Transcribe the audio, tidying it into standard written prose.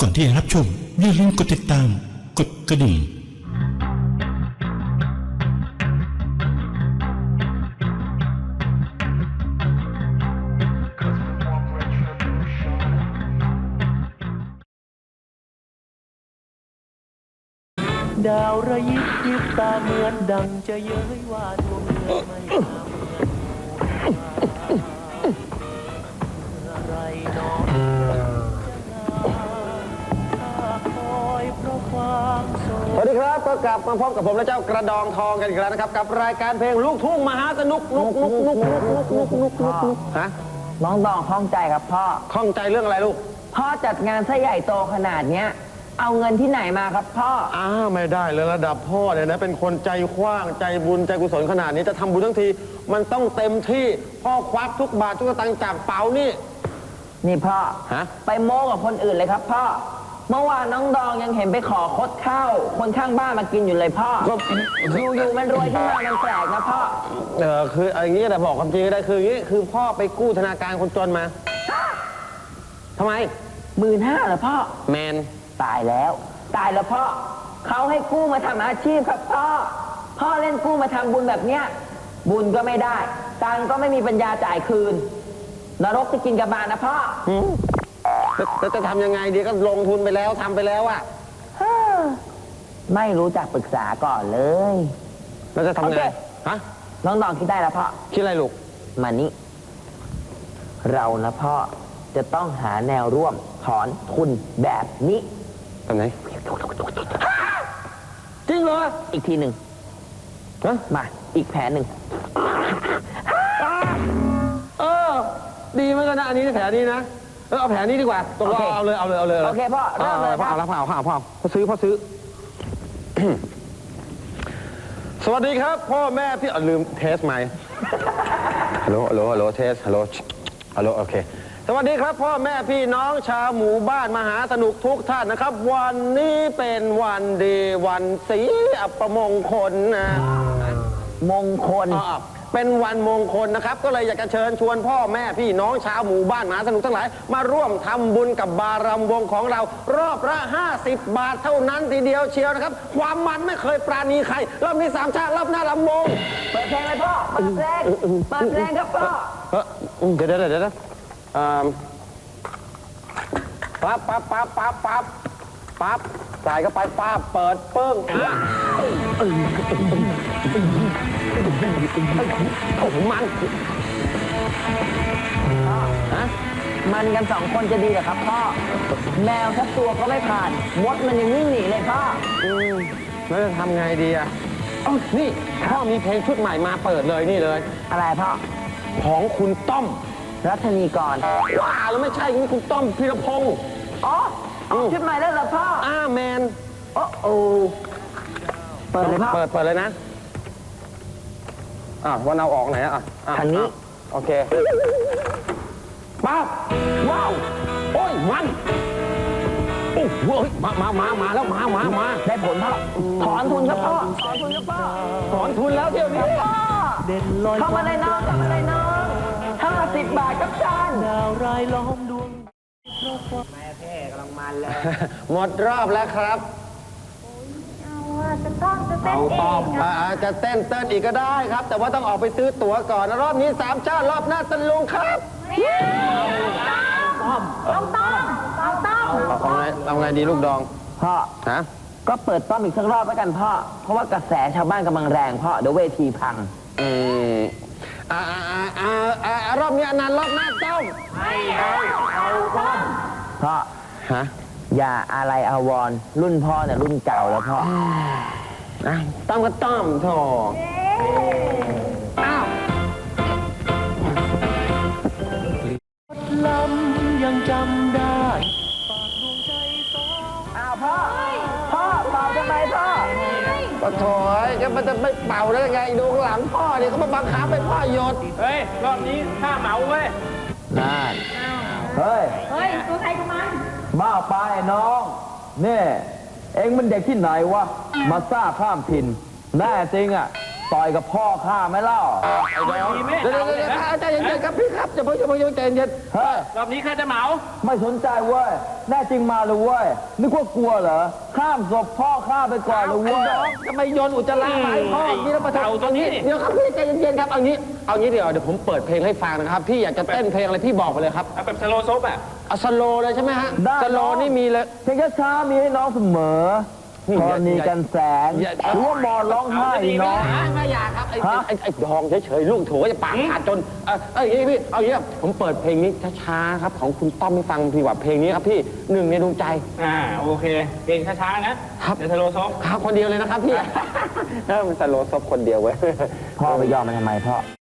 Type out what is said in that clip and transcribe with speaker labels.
Speaker 1: ก่อนที่จะรับชมอย่าลืมกดติดตามกดกระดิ่ง
Speaker 2: ดาวระยิบยิบตาเหมือนดังจะเย้ยว่าดวงเดือนไม่งามอะไรน้องคอยเพราะความโศก
Speaker 3: สวัสดีครับก็กลับมาพบกับผมและเจ้ากระดองทองกันอีกแล้วนะครับกับรายการเพลงลูกทุ่งมหาสนุกฮะ
Speaker 4: น้องดองข้องใจครับพ่อ
Speaker 3: ข้องใจเรื่องอะไรลูก
Speaker 4: พ่อจัดงานซะใหญ่โตขนาดเนี้ยเอาเงินที่ไหนมาครับพ่อ
Speaker 3: ไม่ได้เลยระดับพ่อเนี่ยนะเป็นคนใจกว้างใจบุญใจกุศลขนาดนี้จะทำบุญทั้งทีมันต้องเต็มที่พ่อควักทุกบาททุกสตางค์จากเป๋านี่
Speaker 4: นี่พ่อ
Speaker 3: ฮะ
Speaker 4: ไปโม้กับคนอื่นเลยครับพ่อเมื่อวานน้องดองยังเห็นไปขอคดข้าวคนข้างบ้านมากินอยู่เลยพ่ออยู่ๆมันรวยขึ้นมามันแปลกนะพ่อ
Speaker 3: คืออย่างนี้แต่บอกความจริงก็ได้คืออย่างนี้คือพ่อไปกู้ธนาคารคนจนมาทำไม
Speaker 4: 15,000เหรอพ่อ
Speaker 3: แมน
Speaker 4: ตายแล้วพ่อเขาให้กู้มาทำอาชีพครับพ่อเล่นกู้มาทำบุญแบบเนี้ยบุญก็ไม่ได้ตังค์ก็ไม่มีปัญญาจ่ายคืนนรกจะกินกับบาลนะพ่อ
Speaker 3: แล้วจะทำยังไงดีก็ลงทุนไปแล้วทำไปแล้วอะ
Speaker 4: ไม่รู้จักปรึกษาก่อนเลย
Speaker 3: แล้วจะทำไง
Speaker 4: โอเค
Speaker 3: ฮะ
Speaker 4: น้องดองคิดได้แล้วพ่อ
Speaker 3: คิดอะไรลูก
Speaker 4: มานี่เรานะพ่อจะต้องหาแนวร่วมถอนทุนแบบนี้
Speaker 3: ทำไหนจริงเหรอ
Speaker 4: อีกทีหนึ่ง
Speaker 3: ฮะ
Speaker 4: มาอีกแผนหนึ่ง
Speaker 3: ดีเหมือนกันนะอันนี้แผนนี้นะเอาแผนนี้ดีกว่าตกลงเอาเลย
Speaker 4: โอเคพ่อเริ่มเลย
Speaker 3: พ่อ
Speaker 4: ครับ
Speaker 3: เอาแล้วพ่อซื้อ สวัสดีครับพ่อแม่พี่ลืมเทสไมค์ฮัลโหลเทสฮัลโหลโอเคสวัสดีครับพ่อแม่พี่น้องชาวหมู่บ้านมหาสนุกทุกท่านนะครับ วันนี้เป็นวันดีวันศรีอัปมงคลนะ
Speaker 4: มงคล
Speaker 3: เป็นวันมงคลนะครับก็เลยอยากจะเชิญชวนพ่อแม่พี่น้องชาวหมู่บ้านมหาสนุกทั้งหลายมาร่วมทำบุญกับบารำวงของเรารอบละ50 บาทเท่านั้นทีเดียวเชียวนะครับความมันไม่เคยปราณีใครรอบนี้3 ชาติรอบหน้าลำวง
Speaker 4: เปิดเพลงเลยพ่อเปิดเพลงครับพ่อ
Speaker 3: เดี๋ยวปั๊บใส่เข้าไปปั๊บเปิดปึ้งโอ้โหมัน
Speaker 4: มันกัน2 คนจะดีเหรอครับพ่อแมวสักตัวก็ไม่ผ่านมดมันยังวิ่งหนีเลยพ่อ
Speaker 3: แล้วจะทำไงดีอ่ะนี่พ่อมีเพลงชุดใหม่มาเปิดเลยนี่เลย
Speaker 4: อะไรพ่อ
Speaker 3: ของคุณต้อม
Speaker 4: รัชนีกร
Speaker 3: ว้าแล้วไม่ใช่นี่คุณต้อมพีรพงศ์
Speaker 4: อ๋อชุดใหม่แล้วเหรอพ่อ
Speaker 3: แมน
Speaker 4: โอ้เปิดเลยพ่อ
Speaker 3: เปิดเลยนะวันเอาออกไหน
Speaker 4: ทางนี้
Speaker 3: โอเคปั๊บว้าวโอ้ยมันโอ้โหมาแล้วมา
Speaker 4: ได้ผลพ่อถอนทุนครับพ่อถอนทุนครับพ่อ
Speaker 3: ถอนทุนแล้วเที่ยวนี้
Speaker 4: พ่อ
Speaker 2: เด่นลอย
Speaker 4: เข้ามาเลยน้อง50 บาทครับจาน
Speaker 2: ดาวรายล้อมดวง
Speaker 4: แม่เพ่กำลังมันเลย
Speaker 3: หมดรอบแล้วครับ
Speaker 5: จะต้องจะเต้นเอง
Speaker 3: จะเต้นอีกก็ได้ครับ แต่ว่าต้องออกไปซื้อตั๋วก่อนรอบนี้3 ชาติรอบหน้าตะลุงครับเอาไงดีลูกดอง
Speaker 4: พ่อ
Speaker 3: ฮะ
Speaker 4: ก็เปิดต้อมอีกสักรอบแล้วกันพ่อเพราะว่ากระแสชาวบ้านกำลังแรงพ่อเดี๋ยวเวทีพัง
Speaker 3: รอบนี้อนันต์รอบหน้าต้ม
Speaker 4: พ่อ
Speaker 3: ฮะ
Speaker 4: อย่าอะไรอาวรณ์รุ่นพ่อเนี่ยรุ่นเก่าแล้วพ่อ
Speaker 3: ต้อมก็ต้อมโถอ้าว
Speaker 2: ลำยังจำได้ฝากดวงใจสอง
Speaker 4: อ้าวพ่อเป่าทำไมพ่อ
Speaker 3: ก็โถยก็มันจะไม่เป่าได้ยังไงดูข้างหลังพ่อเนี่ยเขามาบังคับให้พ่อหยุด
Speaker 2: เฮ้ย รอบนี้ข้าเหมาเว้ย
Speaker 3: นั่น
Speaker 4: เฮ้ย
Speaker 5: ตัวใครตัวมัน
Speaker 4: บ้าไปน้องนี่เอ็งมันเด็กที่ไหนวะมาซ่าข้ามถิ่นแน่จริงอ่ะต่อยกับพ่อข้าไหมเล่า
Speaker 3: เดี๋ยวใจเย็นๆครับพี่ครับอย่าเพิ่งใจเย็น
Speaker 4: เฮ้ย
Speaker 6: รอบนี้ข้าจะเหมา
Speaker 4: ไม่สนใจเว้ยแน่จริงมาเลยเว้ยนึกว่ากลัวเหรอข้ามศพพ่อข้าไปก่อนเลย
Speaker 3: ไอ้
Speaker 4: เว้ย
Speaker 3: น้องทำไมโยนอุจจาระมาให้พ่อนี่แล้วมา
Speaker 6: เอาตัวนี้
Speaker 3: เดี๋ยวครับพี่ใจเย็นๆครับเอางี้เดี๋ยวผมเปิดเพลงให้ฟังนะครับพี่อยากจะเต้นเพลงอะไรพี่บอกไปเลยครับ
Speaker 6: เอาแบบสโลว์ซบอ่ะ
Speaker 3: เอาสโลเลยใช่ไหมฮะสโลนี่มีเลย
Speaker 4: เพลงช้าๆมีให้น้องเสมอ
Speaker 3: นี่
Speaker 4: กรณีกันแสง
Speaker 3: อย่า
Speaker 4: หรือว่ามอนร้องไห้น้อง
Speaker 3: ไม่อยากครับไอ้
Speaker 4: ฮะ
Speaker 3: ไอ้ดองเฉยๆลูกโถจะปากขาดจนอย่างนี้พี่เอาอย่างนี้ผมเปิดเพลงนี้ช้าๆครับของคุณต้อมให้ฟังพี่ว่าเพลงนี้ครับพี่หนึ่งในดวงใจ
Speaker 6: โอเคเพลงช้าๆนะครับ เดี๋ยวสโลว์ซบ
Speaker 3: ครับคนเดียวเลยนะครับพี่มันสโลซบคนเดียวเว้ย
Speaker 4: พ่อไปยอมมันทำไมพ่อ